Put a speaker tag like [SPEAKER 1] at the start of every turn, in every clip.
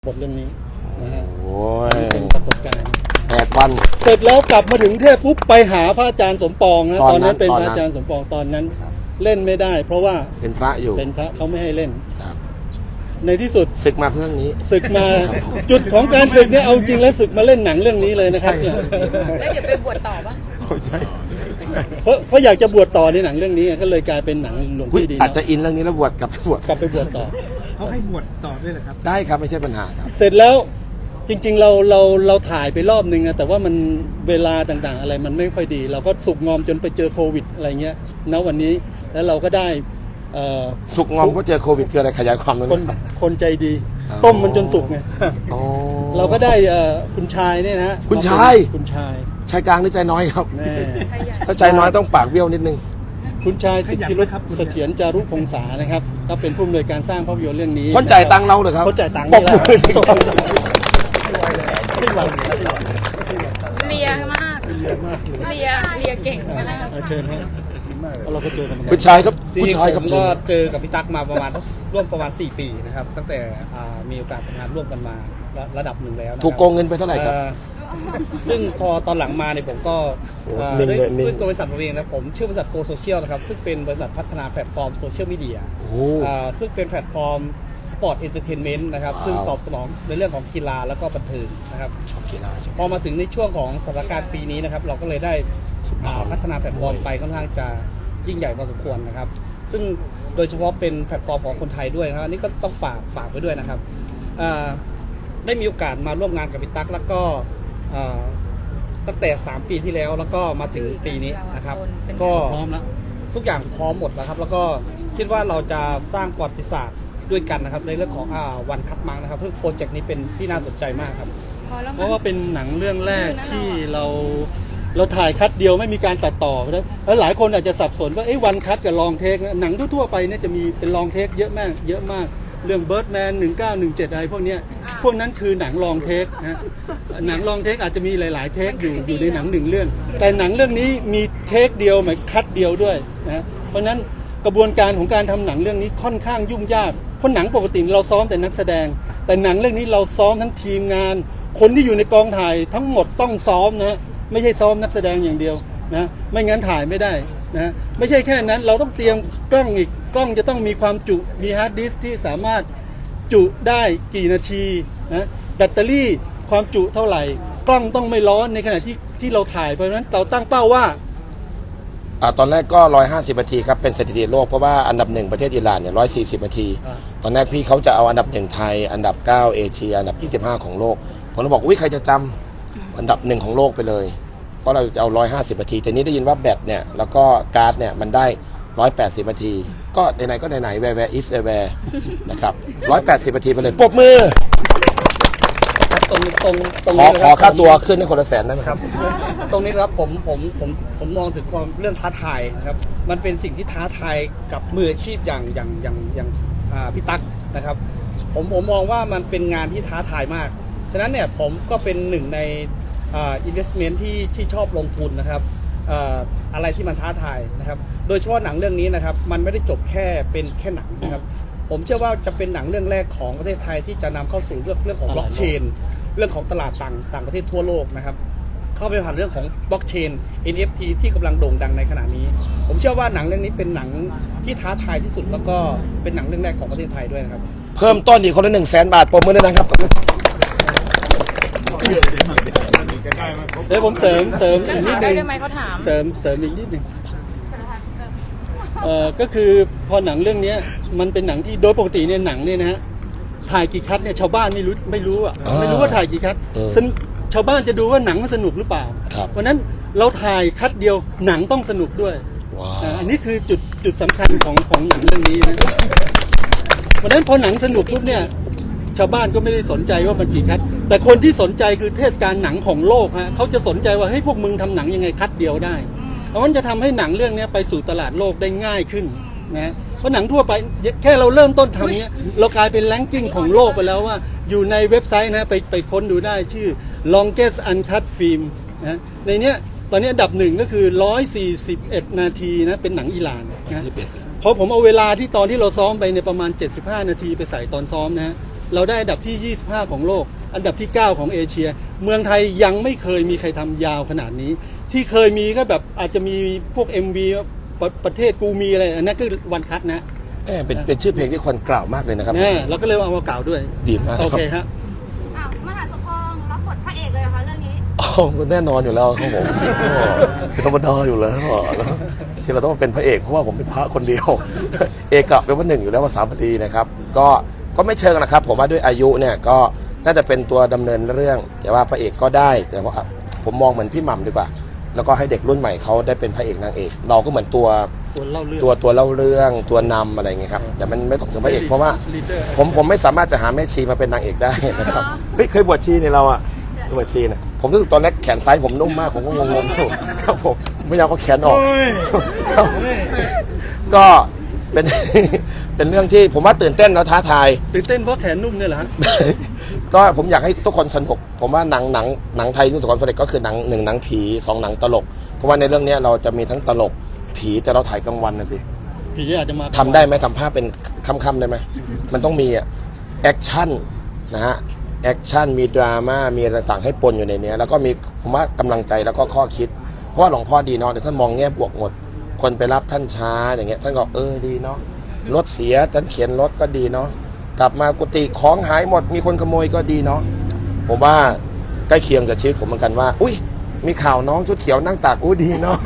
[SPEAKER 1] บทเรื่องนี้นะฮะ
[SPEAKER 2] โอ้ย
[SPEAKER 1] เป็นประสบการณ์
[SPEAKER 2] 8 วัน
[SPEAKER 1] เสร็จแล้วกลับมาถึงเทพปุ๊บไปหาพระอาจารย์สมปองนะตอนนั้นเป็นพระอาจารย์สมปองตอนนั้นเล่นไม่ได้ เพราะว่า
[SPEAKER 2] เป็นพระอยู่
[SPEAKER 1] เป็นพระเขาไม่ให้เล่น
[SPEAKER 2] ครับ
[SPEAKER 1] ในที่สุด
[SPEAKER 2] ศึกมาเพื่อนี้
[SPEAKER 1] ศึกมาจุดของการศึกเนี่ยเอาจริงแล้วศึกมาเล่นหนังเรื่องนี้เลยนะครับเนี่ย
[SPEAKER 3] แล้วเดี๋ยวไปบวชต่อปะ
[SPEAKER 2] ใช่
[SPEAKER 1] เพราะอยากจะบวชต่อในหนังเรื่องนี้ก็เลยกลายเป็นหนังหลวงพี่ดี
[SPEAKER 2] อาจจะอินเรื่องนี้แล้วบวชกลับไปบวช
[SPEAKER 1] กลับไปบวชต่อ
[SPEAKER 4] เขาให้บวชต่อด้วยเหรอครับ
[SPEAKER 2] ได้ครับไม่ใช่ปัญหาครับ
[SPEAKER 1] เสร็จแล้วจริงๆเราถ่ายไปรอบนึงนะแต่ว่ามันเวลาต่างๆอะไรมันไม่ค่อยดี เราก็สุกงอมจนไปเจอโควิดอะไรเงี้ยณวันนี้แล้วเราก็ได้
[SPEAKER 2] สุกงอมเพราะเจอโควิดคืออะไรขยายความหน่อย
[SPEAKER 1] คน
[SPEAKER 2] นะครับ
[SPEAKER 1] คนใจดี
[SPEAKER 2] อ๋อ
[SPEAKER 1] ต้มมันจนสุกไง
[SPEAKER 2] อ๋อ
[SPEAKER 1] เราก็ได้คุณชายเนี่ยนะฮะ
[SPEAKER 2] คุณชาย
[SPEAKER 1] คุณชาย
[SPEAKER 2] ชายกลางหรือใจน้อยครับ
[SPEAKER 1] แน่
[SPEAKER 2] ถ้าใจน้อยต้องปากเบี้ยวนิดนึง
[SPEAKER 1] คุณชายสิทธิรุตเสถียรจารุพงษานะครับก็เป็นผู้อำนวยการสร้างภาพยนตร์เรื่องนี้
[SPEAKER 2] คนจ่ายตังค์เราเหรอครับ
[SPEAKER 1] คนจ่ายตังค์
[SPEAKER 2] ป
[SPEAKER 1] นี่
[SPEAKER 2] ก
[SPEAKER 1] แหละ
[SPEAKER 2] มือ
[SPEAKER 3] เลียมากเลียเก่งมาก
[SPEAKER 1] เชิญฮะเราก็เจอกันมา
[SPEAKER 2] คุณชายครับ
[SPEAKER 4] จริ
[SPEAKER 2] ผู้
[SPEAKER 4] ง
[SPEAKER 2] ชาย
[SPEAKER 4] ๆ
[SPEAKER 2] ค
[SPEAKER 4] ผ
[SPEAKER 2] รับ
[SPEAKER 4] มก็เจอกับพี่ตั๊กมาประมาณร่วมประมาณ4 ปีนะครับตั้งแต่มีโอกาสทำงานร่วมกันมาระดับหนึ่งแล้วนะครับ
[SPEAKER 2] ถูกโกงเงินไปเท่าไหร่ครับ
[SPEAKER 4] ซึ่งพอตอนหลังมาเนี่ยผมก็
[SPEAKER 2] โอ้
[SPEAKER 4] ด้วย
[SPEAKER 2] นิ่งๆ
[SPEAKER 4] ด้วยตัวบริษัทผมเองนะผมชื่อบริษัทโกโซเชียลนะครับซึ่งเป็นบริษัทพัฒนาแพลตฟอร์มโซเชียลมีเดีย
[SPEAKER 2] โอ้
[SPEAKER 4] ซึ่งเป็นแพลตฟอร์มสปอร์ตเอนเตอร์เทนเมนต์นะครับ
[SPEAKER 2] ว้าว
[SPEAKER 4] ซึ่งตอบสนองในเรื่องของกีฬาแล้วก็บันเทิงนะครับ
[SPEAKER 2] ชอบกีฬาชอบ
[SPEAKER 4] พอมาถึงในช่วงของสถานการณ์ปีนี้นะครับเราก็เลยได้พัฒนาแพลตฟอร์มไปค่อนข้างจะยิ่งใหญ่พอสมควรนะครับ ซึ่งโดยเฉพาะเป็นแพลตฟอร์มของคนไทยด้วยนะครับอันนี่ก็ต้องฝากไว้ด้วยนะครับได้มีโอกาสมาร่วมงานกับพี่ตั๊กแล้วก็ตั้งแต่3 ปีที่แล้วแล้วก็มาถึงปีนี้นะครับก็
[SPEAKER 1] พร้อมแล้ว
[SPEAKER 4] ทุกอย่างพร้อมหมดแล้วครับแล้วก็คิดว่าเราจะสร้างประวัติศาสตร์ด้วยกันนะครับในเรื่องของวันคัดมังนะครับเพื่อโปรเจกต์นี้เป็นที่น่าสนใจมากครับ
[SPEAKER 3] พอแล้ว
[SPEAKER 1] เพ
[SPEAKER 3] มั้
[SPEAKER 1] ราะ
[SPEAKER 3] ง
[SPEAKER 1] ว่าเป็นหนังเรื่องแรกที่เราถ่ายคัดเดียวไม่มีการตัดต่อแล้วหลายคนอาจจะสับสนว่าวันคัดกับลองเทคหนังทั่วๆไปเนี่ยจะมีเป็นลองเทคเยอะมากเรื่อง Birdman 1917อะไรพวกเนี้ยพวกนั้นคือหนังลองเทคนะหนังลองเทคอาจจะมีหลายๆเทคอยู่ในหนังหนึ่งเรื่องแต่หนังเรื่องนี้มีเทคเดียวหมายคัดเดียวด้วยนะเพราะฉะนั้นกระบวนการของการทำหนังเรื่องนี้ค่อนข้างยุ่งยากเพราะหนังปกติเราซ้อมแต่นักแสดงแต่หนังเรื่องนี้เราซ้อมทั้งทีมงานคนที่อยู่ในกองถ่ายทั้งหมดต้องซ้อมนะไม่ใช่ซ้อมนักแสดงอย่างเดียวนะไม่งั้นถ่ายไม่ได้นะไม่ใช่แค่นั้นเราต้องเตรียมกล้องอีกกล้องจะต้องมีความจุมีฮาร์ดดิสก์ที่สามารถจุได้กี่นาทีนะแบตเตอรี่ความจุเท่าไหร่กล้องต้องไม่ร้อนในขณะที่เราถ่ายเพราะฉะนั้นเราตั้งเป้าว่า
[SPEAKER 2] ตอนแรกก็150 นาทีครับเป็นสถิติโลกเพราะว่าอันดับ 1ประเทศอิหร่านเนี่ย140 นาที ตอนแรกพี่เขาจะเอาอันดับ 1ไทยอันดับ9เอเชียอันดับ25ของโลกผมเลยบอกอุ้ยใครจะจำอันดับ 1ของโลกไปเลยเพราะเราจะเอา150 นาทีแต่นี้ได้ยินว่าแบตเนี่ยแล้วก็การ์ดเนี่ยมันได้180 นาทีก็ไหนๆก็ไหนๆแวร์ is where นะครับ180 นาทีไปเลยปรบมือ
[SPEAKER 4] ตรง
[SPEAKER 2] ขอ
[SPEAKER 4] นี้
[SPEAKER 2] ขอค่าตัวขึ้นให้คนละ100,000ได้ไหมครับ
[SPEAKER 4] ตรงนี้ครับผมมองถึงความเรื่องท้าทายนะครับมันเป็นสิ่งที่ท้าทายกับมืออาชีพอย่างพี่ตั๊กนะครับผมมองว่ามันเป็นงานที่ท้าทายมากฉะนั้นเนี่ยผมก็เป็นหนึ่งในinvestment ที่ชอบลงทุนนะครับอะไรที่มันท้าทายนะครับโดยเฉพาะหนังเรื่องนี้นะครับมันไม่ได้จบเป็นแค่หนังนะครับผมเชื่อว่าจะเป็นหนังเรื่องแรกของประเทศไทยที่จะนำเข้าสู่เรื่องของบล็อกเชนเรื่องของตลาดต่างประเทศทั่วโลกนะครับเข้าไปผ่านเรื่องของบล็อกเชน NFT ที่กำลังโด่งดังในขณะนี้ผมเชื่อว่าหนังเรื่องนี้เป็นหนังที่ท้าทายที่สุดแล้วก็เป็นหนังเรื่องแรกของประเทศไทยด้วยนะครับ
[SPEAKER 2] เพิ่มต้นอีกคนละ100,000 บาทปรบมือด้วยนะครับ
[SPEAKER 1] เดี๋ยวผมเสริมอีกนิดนึง
[SPEAKER 3] ได้ไหมเขาถาม
[SPEAKER 1] เสริมอีกนิดนึงก็คือพอหนังเรื่องนี้มันเป็นหนังที่โดยปกติเนี่ยหนังเนี่ยนะฮะถ่ายกี่คัดเนี่ยชาวบ้านไม่รู้อ่ะไม่รู้ว่าถ่ายกี่คัดชาวบ้านจะดูว่าหนังมันสนุกหรือเปล่า
[SPEAKER 2] ครับ
[SPEAKER 1] เพราะนั้นเราถ่ายคัดเดียวหนังต้องสนุกด้วย
[SPEAKER 2] ว้าว
[SPEAKER 1] อันนี้คือจุดสำคัญของหนังเรื่องนี้นะเพราะฉะนั้นพอหนังสนุกปุ๊บเนี่ยชาวบ้านก็ไม่ได้สนใจว่ามันกี่คัดแต่คนที่สนใจคือเทศกาลหนังของโลกฮะเขาจะสนใจว่าเฮ้ยพวกมึงทำหนังยังไงคัดเดียวได้เพราะมันจะทำให้หนังเรื่องนี้ไปสู่ตลาดโลกได้ง่ายขึ้นนะเพราะหนังทั่วไปแค่เราเริ่มต้นทำเนี้ยเรากลายเป็นแรงกิ้งของโลกไปแล้วว่าอยู่ในเว็บไซต์นะไปค้นดูได้ชื่อ longest uncut film นะในเนี้ยตอนนี้อันดับ1ก็คือ141 นาทีนะเป็นหนังอิหร่านนะพอผมเอาเวลาที่ตอนที่เราซ้อมไปในประมาณ75 นาทีไปใส่ตอนซ้อมนะฮะเราได้อันดับที่ 25 ของโลก อันดับที่ 9 ของเอเชีย เมืองไทยยังไม่เคยมีใครทำยาวขนาดนี้ ที่เคยมีก็แบบอาจจะมีพวก MV ประเทศกูมีอะไรอันนั้นคือวันคัทนะ
[SPEAKER 2] เป็นชื่อเพลงที่ควรกล่าวมากเลยนะครับ
[SPEAKER 1] เนี่ยเราก็เลยเอามากล่าวด้วย
[SPEAKER 2] ดีมาก
[SPEAKER 1] โอ
[SPEAKER 2] ครับ
[SPEAKER 1] เคฮะ
[SPEAKER 5] อ้าวมหาสมปองรับบทพระเอกเลยเหรอคะเรื่องนี้
[SPEAKER 2] อ๋อก็แน่นอนอยู่แล้วครับผมเป็นธรรมดาอยู่แล้วนะที่เราต้องมาเป็นพระเอกเพราะว่าผมเป็นพระคนเดียว เอกะเป็นว่าหนึ่งอยู่แล้วภาษาบาลีนะครับก็ไม่เชิงนะครับ ผมว่าด้วยอายุเนี่ยก็น่าจะเป็นตัวดำเนินเรื่อง แต่ว่าพระเอกก็ได้แต่ว่าผมมองเหมือนพี่หม่ำดีกว่า แล้วก็ให้เด็กรุ่นใหม่เขาได้เป็นพระเอกนางเอก เราก็เหมือนตัว
[SPEAKER 1] เล่าเรื่อง
[SPEAKER 2] ตัวเล่าเรื่องตัวนำอะไรเงี้ยครับแต่มันไม่ต้องถึงพระเอกเพราะว่า
[SPEAKER 1] leader
[SPEAKER 2] ผมไม่สามารถจะหาแม่ชีมาเป็นนางเอกได้นะครับเฮ้ยเคยบวชชีเนี่ยเราอะบวชชีเนี่ยผมรู้สึกตอนแรกแขนซ้ายผมนุ่มมากผมก็งงๆอยู่ครับผมไม่อยากเอาแขนออกครับก็เป็น เป็นเรื่องที่ผมว่าตื่นเต้นแล้วท้าทาย
[SPEAKER 1] ตื่นเต้นเพราะแขนนุ่มเนี่ยเหรอฮะ
[SPEAKER 2] ก็ผมอยากให้ทุกคนสนุกผมว่าหนังไทยที่ประสบความสำเร็จก็คือหนังผี2หนังตลกเพราะว่าในเรื่องนี้เราจะมีทั้งตลกผีแต่เราถ่ายกลางวันนะสิ
[SPEAKER 1] ผีอาจจะมา
[SPEAKER 2] ทำได้ไหมทำภาพเป็นค่ำๆได้ไหมมันต้องมีแอคชั่นนะฮะแอคชั่นมีดราม่ามีอะไรต่างๆให้ปนอยู่ในนี้แล้วก็มีผมว่ากำลังใจแล้วก็ข้อคิดเพราะว่าหลวงพ่อดีเนาะแต่ท่านมองแง่บวกหมดคนไปรับท่านช้าอย่างเงี้ยท่านก็ดีเนาะรถเสียท่านเขียนรถก็ดีเนาะกลับมากุฏิของหายหมดมีคนขโมยก็ดีเนาะผมว่าใกล้เคียงกับชีวิตผมเหมือนกันว่าอุ้ยมีข่าวน้องชุดเขียวนั่งตากดีเนาะ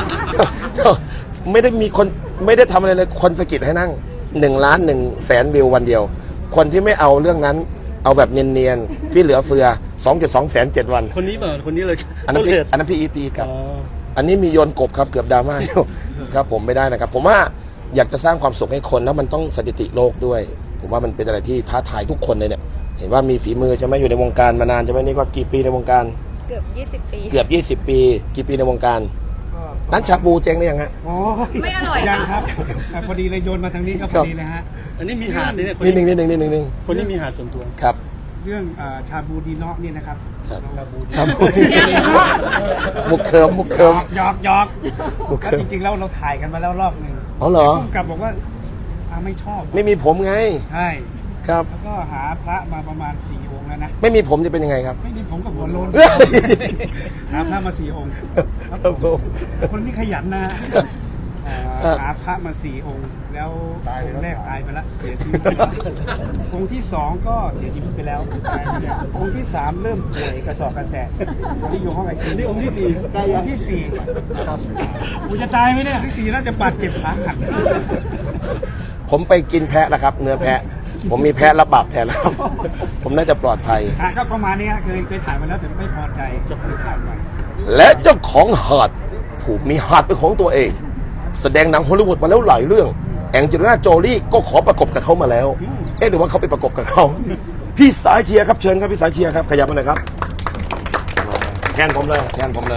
[SPEAKER 2] ไม่ได้ทำอะไรเลยคนสะกิดให้นั่ง1,100,000 วิววันเดียวคนที่ไม่เอาเรื่องนั้นเอาแบบเนียนๆพี่เหลือเฟือ 2.2 แสน7 วัน
[SPEAKER 1] คนนี้เปล่าคนนี้เลย
[SPEAKER 2] อันนั้น
[SPEAKER 1] ต้
[SPEAKER 2] พี่
[SPEAKER 1] เหตุ
[SPEAKER 2] อันนั้นพี่อีปีครับ
[SPEAKER 1] อ๋อ
[SPEAKER 2] อันนี้มีโยนกบครับเกือบดราม่าอยู่ ครับผมไม่ได้นะครับผมว่าอยากจะสร้างความสุขให้คนแล้วมันต้องสถิติโลกด้วย ผมว่ามันเป็นอะไรที่ท้าทายทุกคนเลยเนี่ยเห็นว่ามีฝีมือใช่ไหมอยู่ในวงการมานานใช่ไหมนี่ก็กี่ปีในวงการ
[SPEAKER 3] เกือบ 20 ปี
[SPEAKER 2] เกือบ20 ปีกี่ปีในวงการร้านชาบูเจ๊งได้ยังฮะ
[SPEAKER 6] โอ้ย
[SPEAKER 3] ไม่อร่อย
[SPEAKER 6] ยัง
[SPEAKER 3] นะ
[SPEAKER 6] ครับแต่พอดีเลยโยนมาทางนี้ก็พอดีเลยฮะ
[SPEAKER 1] อันนี้มีหาดเนี่ยคน
[SPEAKER 2] นิด
[SPEAKER 1] นี้
[SPEAKER 2] นึง
[SPEAKER 1] คนนี้มีหาดส่วนตัว
[SPEAKER 2] ครับ
[SPEAKER 6] เรื่องชาบูดีเนาะนี่นะครับ
[SPEAKER 2] ครับ
[SPEAKER 6] ชาบู
[SPEAKER 2] ชาบูมุกเคิม
[SPEAKER 6] หยอกแล้วจริงๆแล้วเราถ่ายกันมาแล้วรอบหนึ่ง
[SPEAKER 2] อ๋อเหรอ
[SPEAKER 6] ผู้กำกับบอกว่าไม่ชอบ
[SPEAKER 2] ไม่มีผมไง
[SPEAKER 6] ใช่
[SPEAKER 2] ครับ
[SPEAKER 6] แล้วก็หาพระมาประมาณ4 องค์แล้วนะ
[SPEAKER 2] ไม่มีผมจะเป็นยังไงครับ
[SPEAKER 6] ไม่มีผมกับหัวโลน
[SPEAKER 2] เฮ้ย
[SPEAKER 6] หาพระมา4 องค์ครับ
[SPEAKER 2] ครับผม
[SPEAKER 6] คนนี้ขยันนะหาพระมา4 องค์ แล้วองค์แรกตายไปแล้วเสียชีวิตไปแล้วองค์ที่2ก็เสียชีวิตไปแล้วองค์ที่3เริ่มป่วยกระสอบกระแสะที่อยู่ห้องไอซี
[SPEAKER 1] นี่องค์ที่สี่
[SPEAKER 6] องค์ที่4ครับกูจะตายไหมเนี่ยที่4น่าจะบาดเจ็บสาหัส
[SPEAKER 2] ผมไปกินแพะแล้วครับ เนื้อแพะ ผมมีแพะรับบาปแทนแล้วครับ ผมน่าจะปลอดภัย
[SPEAKER 6] ก็ประมาณนี้ฮะเคยถ่ายมาแล้วแต่ไม่พอใจจะเคยถ่ายใหม่
[SPEAKER 2] และเจ้าของหาดผู้มีหาดเป็นของตัวเอง แสดงหนังฮอลลีวูดมาแล้วหลายเรื่อง แองเจลิน่าโจลี่ก็ขอประกบกับเขามาแล้ว หรือว่าเขาไปประกบกับเขา พี่สายเชียร์ครับเชิญครับพี่สายเชียร์ครับขยับมาหน่อยครับแทนผมเลย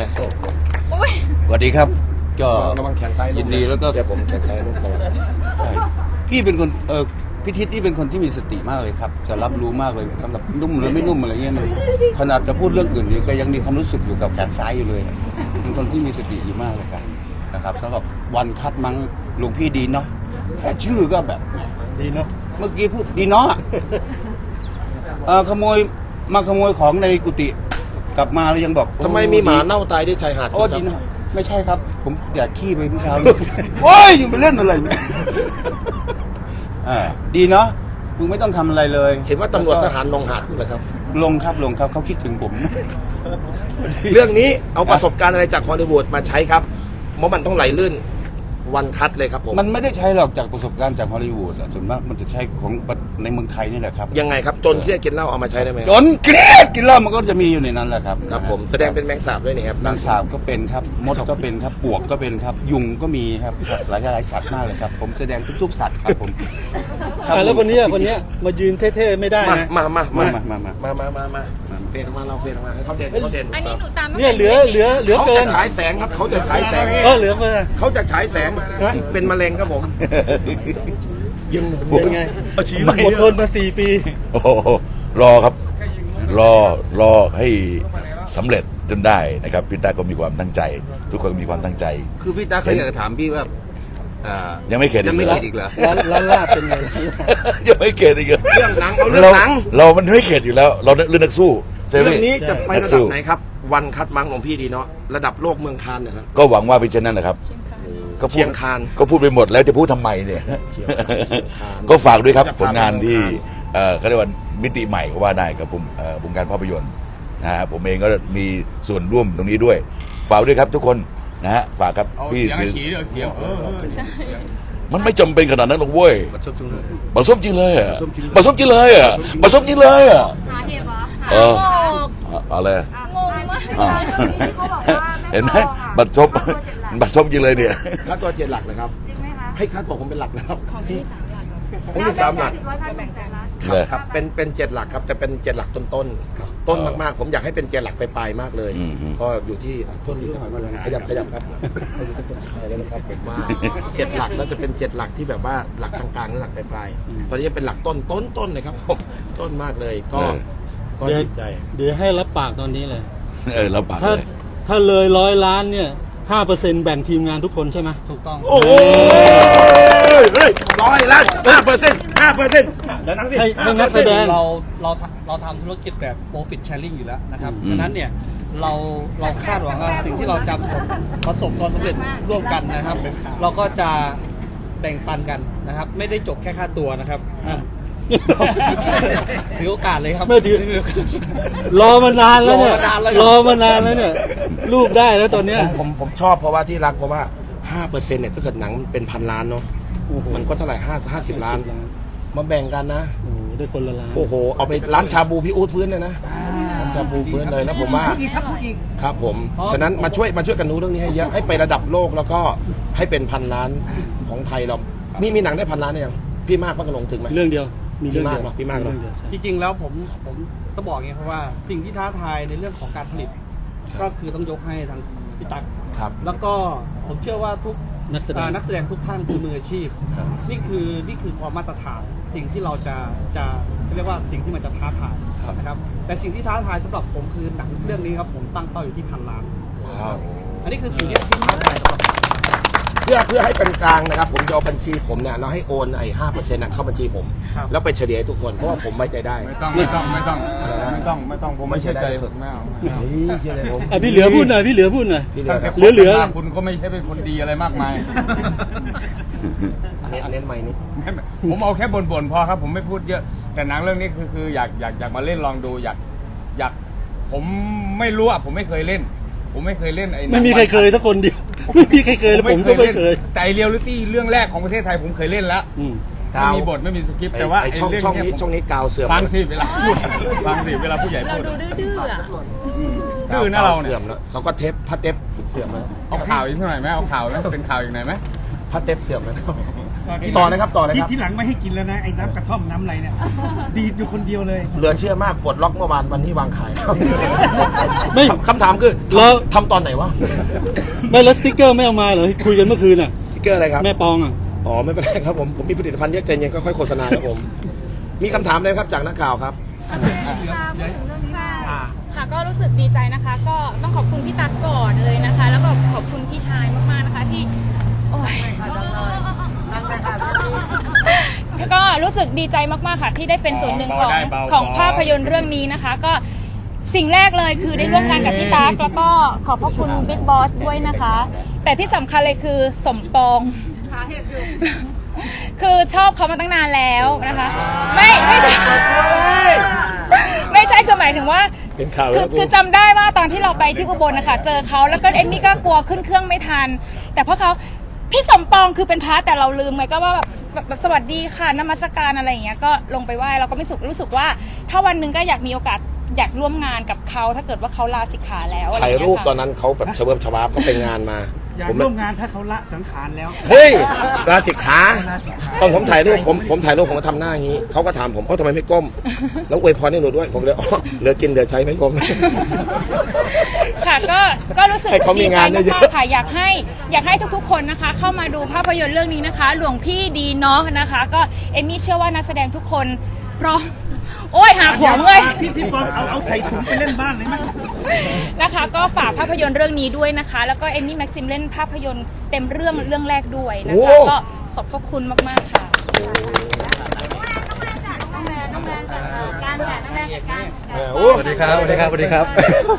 [SPEAKER 3] อุ๊ย
[SPEAKER 7] สวัสดีครับ ก็
[SPEAKER 2] ระวังแขนซ้าย
[SPEAKER 7] ยินดีแล้วก็
[SPEAKER 2] เดี๋ยวผมแขนซ้ายลูกระวัง
[SPEAKER 7] ใช่พี่เป็นคนพี่ทิศนี่เป็นคนที่มีสติมากเลยครับ จะรับรู้มากเลยสำหรับนุ่มหรือไม่นุ่มอะไรเงี้ยมันขนาดจะพูดเรื่องอื่นนี่ก็ยังมีความรู้สึกอยู่กับแขนซ้ายอยู่เลยเป็นคนที่มีสติอยู่มากเลยครับนะครับสำหรับวันคัดมั้งหลวงพี่ดีเนาะแค่ชื่อก็แบบ
[SPEAKER 1] ดีเนาะ
[SPEAKER 7] เมื่อกี้พูดดีเนาะขโมยของในกุฏิกลับมาแล้วยังบอก
[SPEAKER 2] ทำไมมีหมาเน่าตายที่ชายหาด
[SPEAKER 7] โอ้ดีเนาะไม่ใช่ครับ ผมอยากขี้ไปเมื่อเช้านี้ โอ้ยยังไปเล่นอะไรเนี่ย ดีเนาะมึงไม่ต้องทำอะไรเลย
[SPEAKER 2] เห็นว่าตำรวจทหารลงหาดคุณเหรอครับ
[SPEAKER 7] ลงครับเขาคิดถึงผม
[SPEAKER 2] เรื่องนี้เอาประสบการณ์อะไรจากฮอลลีวูดมาใช้ครับเพราะมันต้องไหลลื่นวันคัดเลยครับผม
[SPEAKER 7] มันไม่ได้ใช้หรอกจากประสบการณ์จากฮอลลีวูดอะส่วนมากมันจะใช้ของในเมืองไทยนี่แหละครับ
[SPEAKER 2] ยังไงครับจนที่จะกินเหล้าเอามาใช้ได้ไหม
[SPEAKER 7] จนเกลียดกินเหล้ามันก็จะมีอยู่ในนั้นแหละครับ
[SPEAKER 2] ครับผมแสดงเป็นแมงสาบด้วยนี่ครับ
[SPEAKER 7] นางสาวก็เป็นครับมดก็เป็นครับปวกก็เป็นครับยุงก็มีครับหลายสัตว์มากเลยครับ ผมแสดงทุกๆสัตว์ครับผมรับ
[SPEAKER 1] แล้วคนเนี้ยมายืนเท่ๆไม่ได้นะ
[SPEAKER 2] มา
[SPEAKER 7] มา
[SPEAKER 2] เฟดออกมาเราเฟดออกมาให้เขาเด่น
[SPEAKER 3] อันนี้หนูตามไม่
[SPEAKER 1] เนี่ยเหลือ
[SPEAKER 2] เขา
[SPEAKER 1] เกิ
[SPEAKER 2] จะ
[SPEAKER 1] น
[SPEAKER 2] ฉายแสงครับเขาจะฉายแสง
[SPEAKER 1] เหลือเกิน
[SPEAKER 2] เขาจะฉายแสง
[SPEAKER 1] ฮะ
[SPEAKER 2] เป็นมะเร็งครับผมยัง
[SPEAKER 1] เป็นไงอดทนมา4 ปี
[SPEAKER 8] โอ้โหรอครับ รอให้สำเร็จจนได้นะครับพี่ตาก็มีความตั้งใจ ทุกคนมีความตั้งใจ
[SPEAKER 7] คือพี่ตาเขาอยากจะถามพี่ว่า
[SPEAKER 8] ยังไม่เข็ด
[SPEAKER 7] ยังไม่
[SPEAKER 8] อีกเหรอ
[SPEAKER 7] คิดอีกเหรอ
[SPEAKER 1] ร้านลาบเป็นไง
[SPEAKER 8] ยังไม่เข็ดอีกเหรอ
[SPEAKER 2] เรื่องหนังเอาเรื่องหนัง
[SPEAKER 8] เรามันไม่เข็ดอยู่แล้ว เราเรื่องนักสู้ใช่ไหม
[SPEAKER 2] เรื่องนี้จะไป
[SPEAKER 8] นัก
[SPEAKER 2] ระดั
[SPEAKER 8] สู้
[SPEAKER 2] บไหนครับ วันคัดมั้งของพี่ดีเนาะระดับโลกเมืองคานนะครับ
[SPEAKER 8] ก็หวังว่าเป็นเช่นนั้นนะครับก็พูด
[SPEAKER 2] เชียงคาน
[SPEAKER 8] ก็พูดไปหมดแล้วจะพูดทำไมเนี่ย
[SPEAKER 2] เชียงคาน
[SPEAKER 8] ก็ฝากด้วยครับ
[SPEAKER 2] จะพา
[SPEAKER 8] ผลงานที่
[SPEAKER 2] ไป
[SPEAKER 8] เขาเรียกว่ามิติใหม่ก็ว่าได้กับวงการภาพยนตร์นะฮะผมเองก็มีส่วนร่วมตรงนี้ด้วย ฝากด้วยครับทุกคนนะฮะฝากครับพี่ซื้อมันไม่จำเป็นขนาดนั้นหรอกเว้ย
[SPEAKER 7] บัดซบซุงเลย
[SPEAKER 8] มาส้มจริงเลยอ่ะมาส้มจริงเลยอ่ะมาส้มจริงเลยอ่ะ
[SPEAKER 5] หาเหตุเหรอ
[SPEAKER 8] เอออะไร
[SPEAKER 5] งงมาก
[SPEAKER 8] อ่า
[SPEAKER 5] เขาบอกว่า
[SPEAKER 8] เห็นไหมบัตรส้มบัตรส้มจริงเลยเนี่ย
[SPEAKER 2] ค่าตัว7 หลักนะครับ
[SPEAKER 5] จริงไหมคะ
[SPEAKER 2] ให้ค่าตัวผมเป็นหลักนะครับ
[SPEAKER 3] ของพี่3 หลักครับ
[SPEAKER 2] ผมมี3 หลัก
[SPEAKER 5] ร้อยพันหนึ่งแสนล้าน
[SPEAKER 8] เลย
[SPEAKER 2] ครับเป็น7 หลักครับแต่เป็น7 หลักต้นๆครับต้นมากๆ ผมอยากให้เป็น7 หลักไปปลายๆมากเลย ก็อยู่ที่ต้นนี้ขยับครับใช่แล้วนะครับผมว่า7 หลักแล้วจะเป็น7 หลักที่แบบว่าหลักกลางๆและหลักปลายๆตอนนี้เป็นหลักต้นเลยครับผมต้นมากเลยก็ดีใจ
[SPEAKER 1] เดี๋ยวให้รับปากตอนนี้เลย
[SPEAKER 8] เราปาก
[SPEAKER 1] ถ้า
[SPEAKER 8] เลย
[SPEAKER 1] ถ้าเลย100 ล้านเนี่ย5%แบ่งทีมงานทุกคนใช่ไหม
[SPEAKER 4] ถูกต้อง
[SPEAKER 2] โอ้โหเฮ้ย100 ล้าน5%แล้วนั่งสิ
[SPEAKER 1] ให้นักแสดง
[SPEAKER 4] เราทำธุรกิจแบบ profit sharing อยู่แล้วนะครับ ฉะนั้นเนี่ยเราคาดหวังว่าสิ่งที่เราจะประสบความสำเร็จร่วมกันนะครับ เราก็จะแบ่งปันกันนะครับ ไม่ได้จบแค่ค่าตัวนะครับถือโอกาสเลยครับ
[SPEAKER 1] ไม่ถือ รอมานานแล้วเนี่ย
[SPEAKER 4] รอมานานแล้ว
[SPEAKER 1] รอมานานแล้วเนี่ยรูปได้แล้วตอนเนี้ย
[SPEAKER 2] ผมชอบเพราะว่าที่รักเพราะว่า 5%เนี่ยถ้าเกิดหนังเป็น1,000 ล้านเนาะ
[SPEAKER 1] โอ้โห
[SPEAKER 2] มันก็เท่าไหร่50 ล้าน มาแบ่งกันนะ
[SPEAKER 1] โอ้โหได้คนละล้าน
[SPEAKER 2] โอ้โห เอาไปร้านชาบูพี่อู๊ดฟื้นเลยนะร้านชาบูฟื้นเลยนะผมว่า
[SPEAKER 6] พูดอีกครับพูดอีก
[SPEAKER 2] ครับผม ฉะนั้นมาช่วยกันดูเรื่องนี้ให้เยอะ ให้ไประดับโลกแล้วก็ให้เป็น1,000 ล้านของไทยเรา มีหนังได้1,000 ล้านได้ยังพี่มากพักกระหลงถึงไหม
[SPEAKER 1] เรื่องเดียวมีเรื่องเดียว
[SPEAKER 2] พี่มากเนอะ
[SPEAKER 1] เรื่องดียวใช่
[SPEAKER 4] จริงๆแล้วผมต้องบอกอย่างนี้ครับว่าสิ่งที่ท้าทายในเรื่องของการผลิต ก็คือต้องยกให้ทางพี่ตั๊ก
[SPEAKER 2] ครับ
[SPEAKER 4] แล้วก็ผมเชื่อว่าทุก
[SPEAKER 1] นักแสดง
[SPEAKER 4] นักแสดงทุกท่านคือมืออาชีพ
[SPEAKER 2] ครับ
[SPEAKER 4] นี่คือความมาตรฐานสิ่งที่เราจะเรียกว่าสิ่งที่มันจะท้าทายนะครับแต่สิ่งที่ท้าทายสำหรับผมคือหนังเรื่องนี้ครับผมตั้งเป้าอยู่ที่1,000 ล้าน
[SPEAKER 2] ว้าว
[SPEAKER 4] อันนี้คือสิ่งที่ท้าทายสำหรับผม
[SPEAKER 2] เพื่อให้เป็นกลางนะครับ ผมจะเอาบัญชีผมเนี่ยเราให้โอนไอ้ 5% เข้าบัญชีผม
[SPEAKER 4] ครับ
[SPEAKER 2] แล้วไปเฉลี่ยให้ทุกคนเพราะว่าผมไว้ใจได้
[SPEAKER 6] ไม่ต้องผมไม่เชื่อใจสุดไม่เอา
[SPEAKER 2] เฮ้ยเชื่อเลยผม
[SPEAKER 1] อ่ะพี่เหลือพูดหน่อยพี่เหลือพูดหน่อย
[SPEAKER 2] พี่เหลือครับ
[SPEAKER 1] เหลือ
[SPEAKER 6] คุณก็ไม่ใช่เป็นคนดีอะไรมากมาย
[SPEAKER 2] อันนี้ไม่นี่
[SPEAKER 6] ผมเอาแค่บ่นๆพอครับ ผมไม่พูดเยอะ แต่หนังเรื่องนี้คืออยากมาเล่นลองดูอยากผมไม่รู้อ่ะผมไม่เคยเล่น ผมไม่เคยเล่นไอ้หนัง
[SPEAKER 1] ไม่มีใครเคยสักคนเดียวไม่มีใครเคยแล้วผมก็ไม่เคย
[SPEAKER 6] แต่เรียลลิตี้เรื่องแรกของประเทศไทยผมเคยเล่นแล้ว
[SPEAKER 1] อืม
[SPEAKER 6] ไม่มีบทไม่มีสคริปต์แต่ว่า
[SPEAKER 2] ไอ้
[SPEAKER 6] ไอ้
[SPEAKER 2] ช่อง
[SPEAKER 6] เรื่อง
[SPEAKER 2] ช่อง
[SPEAKER 6] เนี้
[SPEAKER 2] นี้ช่องนี้กาวเสื่อม
[SPEAKER 6] ฟังสิเวลาพูดฟังสิเวลาผู้ใหญ่
[SPEAKER 3] เรา
[SPEAKER 6] พูด
[SPEAKER 3] ดูดื้อๆอ่ะ
[SPEAKER 6] ดื้อนะเราเนี่ย
[SPEAKER 2] เสื่อมแล้วเขาก็เทปผ้าเทปเสื่อมแล้ว
[SPEAKER 6] เอาข่าวอีกหน่อยไหมเอาข่าวแล้วเป็นข่าวอีกหน่อยไหม
[SPEAKER 2] ผ้าเทปเสื่อมแล้วต่อนะครับต่อเลยครับ
[SPEAKER 6] ที่หลังไม่ให้กินแล้วนะไอ้น้ำกระท่อมน้ำอะไรเนี่ยดีดอยู่คนเดียวเลย
[SPEAKER 2] เหลือเชื่อมากปลดล็อกเมื่อวานวันที่วางขาย
[SPEAKER 1] ไม่
[SPEAKER 2] คำถามคือ
[SPEAKER 1] แล้ว
[SPEAKER 2] ทำตอนไหนวะ
[SPEAKER 1] ไม่แล้วสติ๊กเกอร์ไม่เอามาเหรอคุยกันเมื่อคืนอ่ะ
[SPEAKER 2] สติ๊กเกอร์อะไรครับ
[SPEAKER 1] แม่ปองอ่ะ
[SPEAKER 2] อ๋อไม่เป็นไรครับผมมีผลิตภัณฑ์เยอะใจเย็นค่อยๆโฆษณาครับผม มีคำถามเลยครับจากนักข่าวครับ
[SPEAKER 3] ค่ะก็รู้สึกดีใจนะคะ ก็ต้องขอบคุณพี่ตั๊กก่อนเลยนะคะ แล้วก็ขอบคุณพี่ชายมากๆนะคะที่โอ้ยก็รู้สึกดีใจมากๆค่ะที่ได้เป็นส่วนหนึ่งของภาพยนตร์เรื่องนี้นะคะ ก็สิ่งแรกเลยคือได้ร่วมงานกับพี่ตั๊กแล้วก็ขอบพระคุณบิ๊กบอสด้วยนะคะ แต่ที่สำคัญเลยคือสมปอง
[SPEAKER 5] หาเหตุอยู่
[SPEAKER 3] คือชอบเขามาตั้งนานแล้วนะคะ ไม่ใช่ไม่ใช่คือหมายถึงว่า
[SPEAKER 2] เป็นข่าว
[SPEAKER 3] คือจำได้ว่าตอนที่เราไปที่อุบลนะคะเจอเขาแล้วก็เอมมี่ก็กลัวขึ้นเครื่องไม่ทัน แต่เพราะเขาพี่สมปองคือเป็นพระแต่เราลืมไงก็ว่าแบบสวัสดีค่ะนมัสการอะไรอย่างเงี้ยก็ลงไปไหว้เราก็ไม่รู้สึกว่า ถ้าวันหนึ่งก็อยากมีโอกาสอยากร่วมงานกับเขาถ้าเกิดว่าเขาลาสิกขาแล้วอะไรอ
[SPEAKER 2] ถ่าย
[SPEAKER 3] ย่าง
[SPEAKER 2] รู
[SPEAKER 3] เงี้
[SPEAKER 2] ป
[SPEAKER 3] ย
[SPEAKER 2] ตอน
[SPEAKER 3] ค่ะ
[SPEAKER 2] นั้นเขาแบบเฉลิมฉวาบเขาไปงานมา
[SPEAKER 6] อยาก
[SPEAKER 2] ผม
[SPEAKER 6] ร่วมงานถ้าเขาละสังขารแล้ว
[SPEAKER 2] เฮ้ยลาสิกขาตอนผมถ่ายรูปผมถ่ายรูปผมก็ทำหน้าอย่างนี้เขาก็ถามผมทำไมไม่ก้ม แล้วอวยพรให้หนูด้วยผมเลยอ๋อเหลือกินเหลือใช้ไม่ก้ม
[SPEAKER 3] ค่ะก็รู้สึก
[SPEAKER 2] ให้เขามี
[SPEAKER 3] ดีใจ
[SPEAKER 2] งานเยอะๆ
[SPEAKER 3] มากๆค่ะอยากให้ทุกๆคนนะคะ เข้ามาดูภาพยนตร์เรื่องนี้นะคะ หลวงพี่ดีเนาะนะคะ ก็เอมมี่เชื่อว่านักแสดงทุกคนพร้อมโอ้ยหาของเลย
[SPEAKER 6] พี่ปอมเอาใส่ถุงไปเล่นบ้านเลยไหม
[SPEAKER 3] นะคะก็ฝากภาพยนตร์เรื่องนี้ด้วยนะคะ แล้วก็เอมมี่แม็กซิมเล่นภาพยนตร์เต็มเรื่องแรกด้วยนะคะก็ขอบพระคุณมากๆค่ะ
[SPEAKER 5] น้องแมนจากการจัดน้องแมนจากการ
[SPEAKER 1] สวัสดีครับ สวัสดีครับ สวัสดีครับ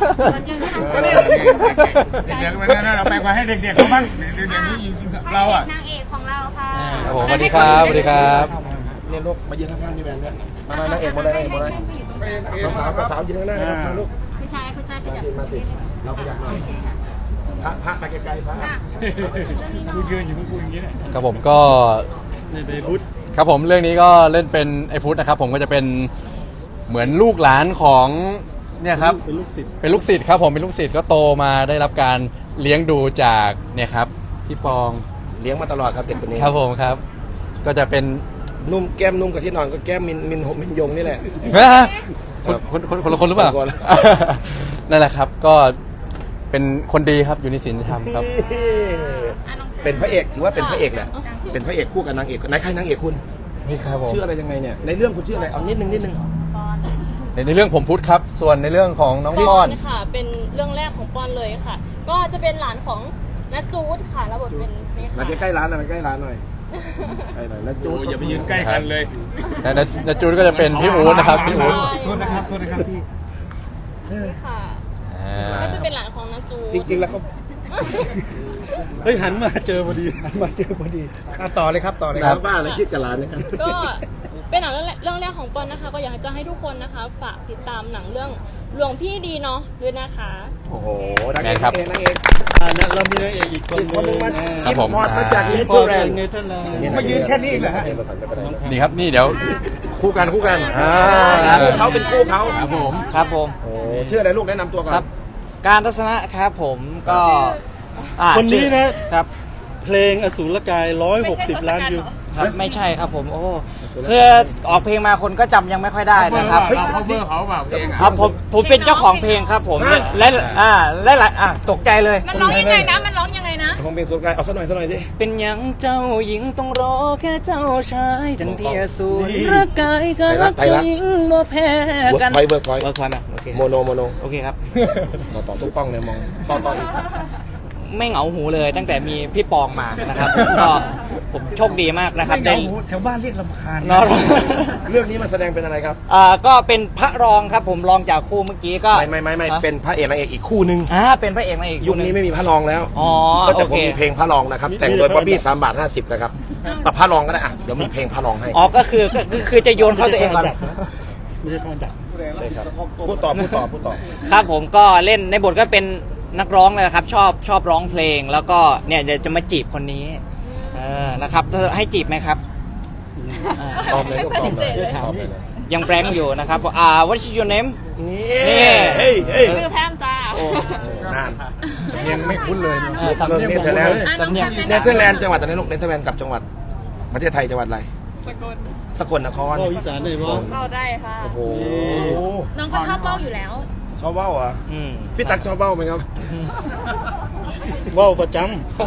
[SPEAKER 6] เด็กๆมันเราแปลว่าให้เด็กๆเขาบ้างเด็กๆนี่จริงๆเราอ่ะ
[SPEAKER 5] นางเอกของเราค่ะ
[SPEAKER 1] ครับผมสวัสดีครับ สวัสดีครับ
[SPEAKER 2] เนี่ยลูกมายืนข้างๆพี่แมนด้วยมานางเอกมาเลยนางเอกมาเลยสาวยืนข้างหน้าครับลูก
[SPEAKER 5] ผู้ชายขยับ
[SPEAKER 2] ยืนมาสิเราขยับมาพระมาไกลๆพระ
[SPEAKER 6] กูยืนอยู่มึงกูอย่างนี้แหละ
[SPEAKER 9] ครับผมก็
[SPEAKER 1] ในเบบุต
[SPEAKER 9] ครับผมเรื่องนี้ก็เล่นเป็นไอพุทธนะครับผมก็จะเป็นเหมือนลูกหลานของเนี่ยครับ
[SPEAKER 1] เป็นลูกศิษย์
[SPEAKER 9] เป็นลูกศิษย์ครับผมเป็นลูกศิษย์ก็โตมาได้รับการเลี้ยงดูจากเนี่ยครับพี่ปอง
[SPEAKER 2] เลี้ยงมาตลอดครับเด็กคนนี้
[SPEAKER 9] ครับผมครับ ก็จะเป็น
[SPEAKER 2] นุ่มแก้มนุ่มกับที่นอนก็แก้มมินยงนี่แหละ
[SPEAKER 9] คนละคนหรือเปล่า
[SPEAKER 2] คนละ
[SPEAKER 9] นั่นแหละครับก็เป็นคนดีครับอยู่ในศีลธรรมครับ
[SPEAKER 2] เป็นพระเอกถือว่าเป็นพระเอกแหละเป็นพระเอกคู่กับนางเอกนายใครนางเอกคุณ
[SPEAKER 9] นี่ครับผม
[SPEAKER 2] ชื่ออะไรยังไงเนี่ยในเรื่องคุณชื่ออะไรเอานิดนึง
[SPEAKER 9] ในเรื่องผมพุทธครับ ส่วนในเรื่องของน้องป้อน
[SPEAKER 10] ค่ะเป็นเรื่องแรกของปอนเลยค่ะ ก็จะเป็นหลานของนัทจูดค่ะรับบทเป็นนี่
[SPEAKER 2] มา
[SPEAKER 10] ค่ะ
[SPEAKER 2] ใกล้ๆร้านหน่อยมาใกล้ร้านหน่อยใกล้หน่อยนะจู
[SPEAKER 6] อย่าไปยืนใกล้กันเลย
[SPEAKER 9] ในจูนก็จะเป็นพี่อู๊ดนะครับพี่อู๊ด
[SPEAKER 6] โทษนะครับพี่
[SPEAKER 10] นี่ค่ะก็จะเป็นหลานของนัทจูด
[SPEAKER 6] จริงๆแล้วเขา
[SPEAKER 1] เฮ้ย หันมาเจอพอดี
[SPEAKER 6] มาเจอพอดีต่อเลยครับต่อเลยค
[SPEAKER 2] ค
[SPEAKER 6] รั
[SPEAKER 2] รับ บบ้านอะไรคิดกับร้านเนี่ย
[SPEAKER 10] ก็เป็นหนังเรื่องแรกของปอนนะคะ ก็อยากจะให้ทุกคนนะคะฝากติดตามหนังเรื่องหลวงพี่ดีเนาะด้วยนะคะ
[SPEAKER 2] โอ้โหนางเอกนางเอก
[SPEAKER 1] เรามีนางเอกอีกคนนึง
[SPEAKER 9] ครับผม
[SPEAKER 2] มอดมาจากเน
[SPEAKER 1] พ่
[SPEAKER 2] เธ
[SPEAKER 1] อ
[SPEAKER 2] อร์แล
[SPEAKER 1] เป็น
[SPEAKER 2] นด์
[SPEAKER 1] เนเธอร์แลนด์
[SPEAKER 6] มายืนแค่นี้เหรอฮะ
[SPEAKER 9] นี่ครับนี่เดี๋ยว
[SPEAKER 2] คู่กันเขาเป็นคู่เขา
[SPEAKER 9] ครับผม
[SPEAKER 11] ครับผม
[SPEAKER 2] โอ้ชื่ออะไรลูกแนะนำตัวก่อน
[SPEAKER 11] ครับ การทัศนะครับผมก็
[SPEAKER 1] คนนี้นะ
[SPEAKER 11] ครับ
[SPEAKER 1] เพลงอสูรกาย160 ล้านวิว
[SPEAKER 11] ครับไม่ใช่ครับผมโอ้คือออกเพลงมาคนก็จำยังไม่ค่อยได้นะครับ
[SPEAKER 6] เขาเบอร์เขาเปล่าเพลง
[SPEAKER 11] ครับผมเป็นเจ้าของเพลงครับผมและตกใจเลย
[SPEAKER 3] มันร้องยังไงนะ มันร้องยังไงนะ
[SPEAKER 2] ของเพลงสุดกายเอาสักหน่อยสิ
[SPEAKER 11] เป็นยังเจ้าหญิงต้องรอแค่เจ้าชายทันทีสูรรักกายก็รักเจ้าหญิงบ่แพ้กัน
[SPEAKER 2] เวิร์กพอยต์
[SPEAKER 11] เวิร์กพอยต์โอเค
[SPEAKER 2] โมโน
[SPEAKER 11] โอเคครับ
[SPEAKER 2] ต่อทุกกล้องเลยมองต่ออีก
[SPEAKER 11] ไม่เหงาหูเลยตั้งแต่มีพี่ปองมานะครับก็ผมโชคดีมากนะครับ
[SPEAKER 6] ไม่
[SPEAKER 11] ได้
[SPEAKER 6] เหงาแถวบ้านเรียกลำคาญ
[SPEAKER 11] เนาะ
[SPEAKER 2] เรื่องนี้มันแสดงเป็นอะไรครับ
[SPEAKER 11] ก็เป็นพระรองครับผมรองจากคู่เมื่อกี้ก็
[SPEAKER 2] ไม่เป็นพระเอกนางเอกอีกคู่นึง
[SPEAKER 11] เป็นพระเอกนางเอก
[SPEAKER 2] ยุคนี้ไม่มีพระรองแล้ว
[SPEAKER 11] อ๋อ
[SPEAKER 2] ก็จะ
[SPEAKER 11] โอ
[SPEAKER 2] ผม
[SPEAKER 11] เค
[SPEAKER 2] มีเพลงพระรองนะครับแต่งโดยป๊อบบี้3 บาท 50นะครับพระรองก็ได้อ่ะเดี๋ยวมีเพลงพระรองให้
[SPEAKER 11] อ๋อก็คือจะโยนเข้าตัวเองก่อน
[SPEAKER 1] ไม่ใช่ผ้าดัก
[SPEAKER 2] ใช่ครับพูดต่อ
[SPEAKER 11] ครับผมก็เล่นในบทก็เป็นนักร้องเลยนะครับชอบร้องเพลงแล้วก็เนี่ยเดี๋ยวจะมาจีบคนนี้นะครับจะให้จีบไหมครับ
[SPEAKER 2] ตอบเลยลูกตอบเลย
[SPEAKER 11] ยังแบงค์อยู่นะครับwhat is your name
[SPEAKER 2] นี่เฮ้ย
[SPEAKER 10] ชื่อแพมจ้า
[SPEAKER 2] นาน
[SPEAKER 9] ยังไม่คุ้นเลย
[SPEAKER 11] สำเนียง
[SPEAKER 2] เนเธอร์แลนด์
[SPEAKER 11] สำเนียง
[SPEAKER 2] เนเธอร์แลนด์จังหวัดอะไรลูกเนเธอร์แลนด์กับจังหวัดประเทศไทยจังหวัดอะไรสกลนคร
[SPEAKER 1] พ่ออีสานเลยพ่อ
[SPEAKER 10] เราได้ค่ะ
[SPEAKER 2] โอ้โห
[SPEAKER 3] น้องก็ชอบเบ้าอยู่แล้ว
[SPEAKER 2] ชอบเบ้าเหรอ
[SPEAKER 11] อืม
[SPEAKER 2] พี่ตั๊กชอบเบ้าไหมครับ
[SPEAKER 1] ว่าวประจ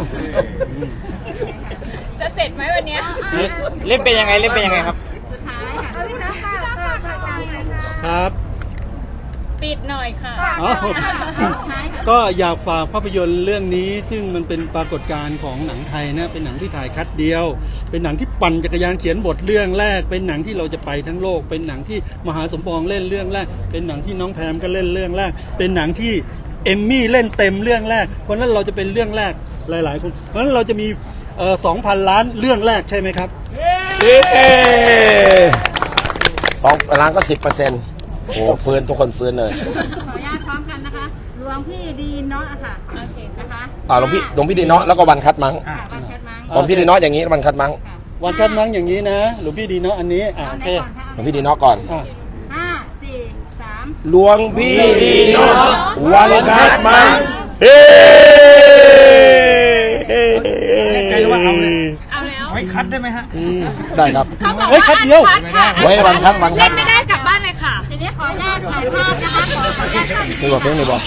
[SPEAKER 3] จะเสร็จไหมวันเนี้ย
[SPEAKER 11] เล่นเป็นยังไงครับ
[SPEAKER 3] สุดท้ายค่ะ
[SPEAKER 5] เอาพี่น้องค่ะฝากหน่อยค่ะ
[SPEAKER 1] ำครับ
[SPEAKER 3] ปิดหน่อยค่ะ
[SPEAKER 1] อ๋อ
[SPEAKER 3] ท้ายค่ะ
[SPEAKER 1] ก็อยากฝากภาพยนตร์เรื่องนี้ซึ่งมันเป็นปรากฏการณ์ของหนังไทยนะเป็นหนังที่ถ่ายคัดเดียว เป็นหนังที่ปั่นจักรยานเขียนบทเรื่องแรก เป็นหนังที่เราจะไปทั้งโลก เป็นหนังที่มหาสมปองเล่นเรื่องแรก เป็นหนังที่น้องแพมก็เล่นเรื่องแรก เป็นหนังที่เอมมี่เล่นเต็มเรื่องแรกเพราะฉะนั้นเราจะเป็นเรื่องแรกหลายๆคนเพราะฉะนั้นเราจะมี2,000 ล้านเรื่องแรกใช่ไหมครับ
[SPEAKER 2] 2 ล้านก็ 10%โอ้ฟื้นทุกคนฟื้นเลย
[SPEAKER 5] ขออนุญาตพร้อมกันนะคะ หลวงพี่ดีเนาะค่ะ โอเคนะคะ
[SPEAKER 2] หลวงพี่ดีเนาะแล้วก็วันคัดมั้ง
[SPEAKER 5] วันแคทมั้ง
[SPEAKER 2] หลวงพี่ดีเนาะอย่างนี้วันคัดมั้ง
[SPEAKER 1] วันชัดมั้งอย่างนี้นะหลวงพี่ดีเนาะอันนี้โอเค
[SPEAKER 2] หลวงพี่ดีเนาะก่อน
[SPEAKER 1] อ่ะ
[SPEAKER 5] 5 4 3
[SPEAKER 2] หลวงพี่ดีเนาะวันคัดมั้งเฮ้
[SPEAKER 6] ใจว่าเอาเลย
[SPEAKER 3] เอาแล้ว
[SPEAKER 6] ไว้คัดได้ไหมฮะ
[SPEAKER 2] ได้ครับ
[SPEAKER 3] เขาบอก
[SPEAKER 1] เฮ้ย
[SPEAKER 3] ว่า
[SPEAKER 1] คัดเดียว
[SPEAKER 3] คัดค่ะ
[SPEAKER 2] ไว้วันคัด
[SPEAKER 3] เล่นไม่ได้กลับบ้านเลยค่ะ
[SPEAKER 5] ทีนี้ขออนุญาตถ่ายภาพนะคะขออนุญาตถ่าย
[SPEAKER 2] นี่บอกเพลงนี่บอก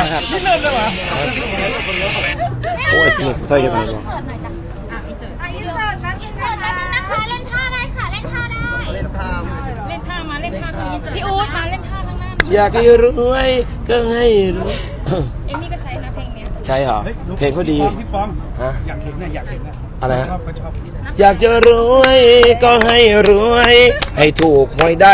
[SPEAKER 2] โอ้ยที่นี่กูเท่ยังไงวะ
[SPEAKER 5] เสิร์ฟหน่อยจ้ะอินเสิร์ตนะอินเสิร์ตนะคะเล่นท่าได้ค่ะ เล่นท่าได้
[SPEAKER 3] เล่นท่ามาเล่นท่ามาพี่อู๊ดมาเล่นท่าข้างหน้าหน่อย
[SPEAKER 2] อยากให้รวยก็ให้รวย
[SPEAKER 3] เอมมี่ก็ใช้นะเพลงเนี้ย
[SPEAKER 2] ใช่เหรอ เพลงเขาดี
[SPEAKER 6] พี่ปอง
[SPEAKER 2] ฮะ
[SPEAKER 6] อยากเห็นนะอยากเห็นนะ
[SPEAKER 2] อะไรฮะ
[SPEAKER 6] ชอบก็ชอบ
[SPEAKER 2] อยากจะรวยก็ให้รวย ให้ถูกหวยได้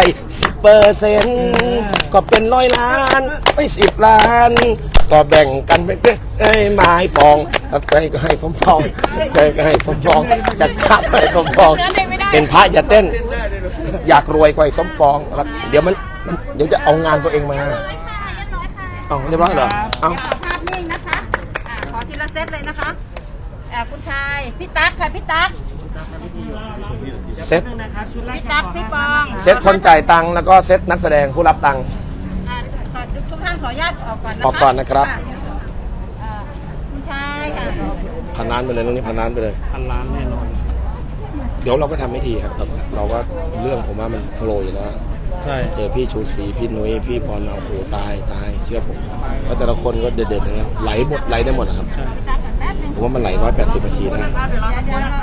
[SPEAKER 2] 10%ก็เป็น100 ล้านไม่10 ล้าน ก็แบ่งกันเป็นไม้ปองแล้วใครก็ให้สมปองใครก็ให้สมปองจะฆ่าให้สมปอง เป็นพระอย่าเต้น อยากรวยกว่าไอ้สมปองแล้วเดี๋ยวเดี๋ยวจะเอางานตัวเองมาเอาเรียบร้อยเหรอเอา
[SPEAKER 5] ภาพนิ่งนะคะขอทีละเซตเลยนะคะคุณชายพี่ตั๊กค่ะพี่ตั๊ก
[SPEAKER 2] เซ็ต
[SPEAKER 5] พี่ตั๊กพี่ปอง
[SPEAKER 2] เซ็ตคนจ่ายตังค์แล้วก็เซ็ตนักแสดงผู้รับตังค์
[SPEAKER 5] ทุกท่านขออนุญาตออกก่อนนะคะ
[SPEAKER 2] ออกก่อนนะครับ
[SPEAKER 5] คุณชายค่ะ
[SPEAKER 2] พันล้านไปเลยตรงนี้พันล้านไปเลย
[SPEAKER 4] พันล้านแน่นอน
[SPEAKER 2] เดี๋ยวเราก็ทำไม่ทีครับเราก็เรื่องผมว่ามันโฟล์อยู่แล้ว
[SPEAKER 4] ใช่
[SPEAKER 2] เจอพี่ชูศรีพี่นุ้ยพี่บอลมาโอ้โหตายเชื่อผมแล้วแต่ละคนก็เด็ดๆทั้งนั้นไหลได้หมดนะครับผมว่ามันไหล180 นาทีนะ
[SPEAKER 5] เดี๋ยวนะคะ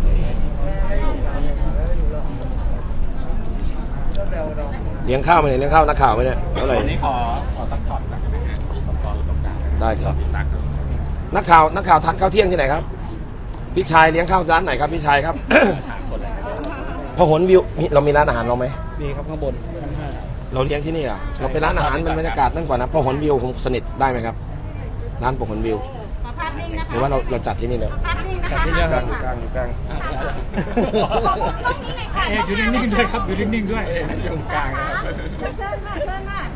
[SPEAKER 2] เลี้ยงข้าวไหมเนี่ยเลี้ยงข้าวนักข่าวไหมเนี่ยเท่าไหร่
[SPEAKER 9] นี่ขอสักช็อตกันได้ไหมฮะพี่สมปองอยู่ตรงกลาง
[SPEAKER 2] ได้ครับนักข่าวทานข้าวเที่ยงที่ไหนครับพี่ชายเลี้ยงข้าวร้านไหนครับพี่ชายครับ พหลวิวเรามีร้านอาหารเราไหม
[SPEAKER 4] มีครับข้างบนชั้น
[SPEAKER 2] เราเลี้ยงที่นี่อ่ะเราเป็นร้านอาหารเป็นบรรยากาศนั่นกว่านะพหลวิวคงสนิทได้ไหมครับร้านพหลวิว
[SPEAKER 5] ขอภาพนิ่งนะคะ
[SPEAKER 2] หรือว่าเราจัดที่นี่เลย
[SPEAKER 5] ภาพนิ่งนะ
[SPEAKER 4] ๆ
[SPEAKER 5] คะ
[SPEAKER 4] ที่เรื่อง
[SPEAKER 2] อยู่กลาง
[SPEAKER 6] อยู่นิ่งๆด้วยครับอยู่นิ่งๆด้วยอยู่กลางนะครับ
[SPEAKER 5] เชิญค่ะเชิญค่ะ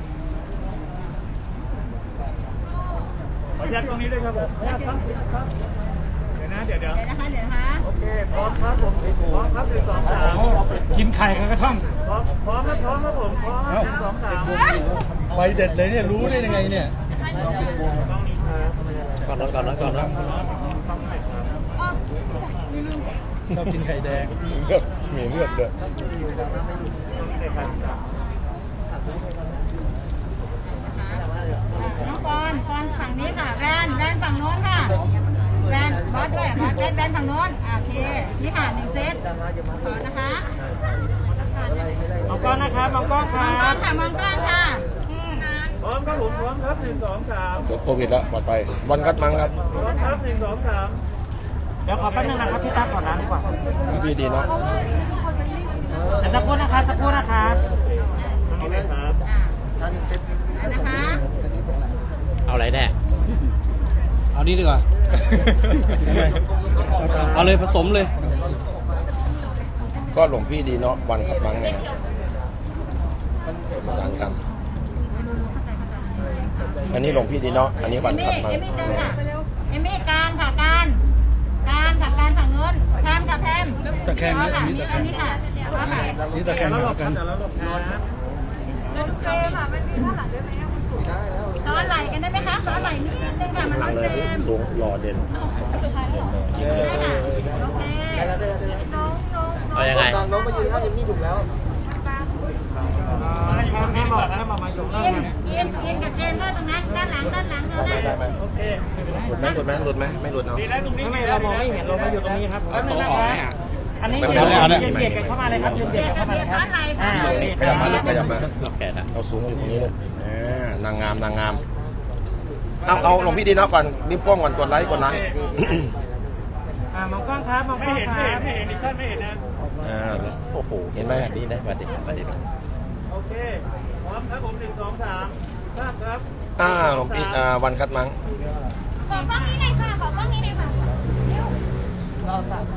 [SPEAKER 6] ขออนุญาตตรงนี้ด้วยครับผมเดี๋ยวนะเดี๋ยว
[SPEAKER 5] เดี๋ยวนะคะเดี๋ยวนะคะ
[SPEAKER 6] โอเคพร้อมครับผมพร้อมครับ1 2 3กินไข่กับกระท่อมพร้อมครับผมพร้อมครับ1 2 3
[SPEAKER 1] ไปเด็ดเลยเนี่ยรู้ได้ยังไงเนี่ย
[SPEAKER 2] ก่อนนะ
[SPEAKER 1] ชอบกินไข่แดง
[SPEAKER 2] มีเลือดด้วย
[SPEAKER 5] น้องปอนฝั่งนี้ค่ะแวนฝั่งโน้นค่ะแวนบอสด้วยบอสแวนฝั่งโน้นโอเคนี่ค่ะ1 เซตขอนะคะ
[SPEAKER 6] มองกล้องนะครับมองกล้องค
[SPEAKER 5] ม
[SPEAKER 6] รั
[SPEAKER 5] องกล้อบ งค่ะมองกล้องค่ะ
[SPEAKER 6] พร้อมครับผมพร้อมครับ1 2 3
[SPEAKER 2] เดี๋ยวโควิดแล้วปลอดภัยวันกัดมังครับ
[SPEAKER 6] พร้อมครับ1 2 3เดี๋ยวขอแป๊บนึงนะครับพี่ตั้งก่อนน้ำดีกว่า
[SPEAKER 2] พี่ดีเนาะ
[SPEAKER 6] สักครู่นะครับสักครู่นะครับนี่เลยครับ
[SPEAKER 5] นะคะ
[SPEAKER 4] เอาอะไรแน่เอานี้ดีกว่า เอาเลยผสมเลย
[SPEAKER 2] ก็หลวงพี่ดีเนาะวันกัดมังไงประสานคำอันนี้หลวงพี่ดีเนาะอันนี้วันกัดมัง
[SPEAKER 5] เอมี่เชิญค่ะเอมี่การค่ะการฝั่งโน้นแพมค่ะแพม
[SPEAKER 1] ตะแคง
[SPEAKER 5] อ๋อ
[SPEAKER 1] นี่
[SPEAKER 5] ค่ะ
[SPEAKER 1] นี่
[SPEAKER 5] นี่
[SPEAKER 1] ตะแค
[SPEAKER 5] อัน
[SPEAKER 1] ง
[SPEAKER 5] นี้ค่ะอ๋อค่ะ
[SPEAKER 1] นี่ตะแคงหากัน
[SPEAKER 5] ซ้อนไหลกันได้ไหมคะซ้อนไหลนิดนึงค่ะมัน
[SPEAKER 2] หลั
[SPEAKER 5] ต้อง
[SPEAKER 2] งเลย
[SPEAKER 5] เต็ม
[SPEAKER 2] สูงหล่อเด่นยิงเลย
[SPEAKER 5] ได้ค่ะโอเค
[SPEAKER 4] เอายังไง
[SPEAKER 6] นี่บอกนะมาอยู่ข้าง
[SPEAKER 5] อินกับเจนก็ตรงนั้นด้านหลังเลยนะ
[SPEAKER 6] โอเค
[SPEAKER 2] หลุดไหมไม่หลุดเนาะ
[SPEAKER 6] ดีแล้วตรงนี้ไม่เรามองไม่เห็นเรามาอยู่ตรงนี้ครับโต๊ะออกไหมอันนี้ยืนเบียดกันเข้ามาเลยครับยืนเบียดกันเข้ามาเลยครับ
[SPEAKER 2] ขยับมาลูกขยับมาเราสูงอยู่ตรงนี้ลูกนางงามเอาหลวงพี่ดีเนาะก่อนนิ้วโป้งก่อนกดไลค์
[SPEAKER 6] มองกล้องครับมองกล้องครับไม่เห็นท่านไม่เห็นนะ
[SPEAKER 2] โอ้โหเห็นไหมดีนะประเด็น
[SPEAKER 6] โอเคพร้อมครับผม1 2 3ครับ
[SPEAKER 2] หลวงพี่วันคัดมัง
[SPEAKER 3] ขอกล้องนี้หน่อยค่ะ ขอกล้องนี้หน่อยค่ะเร็ว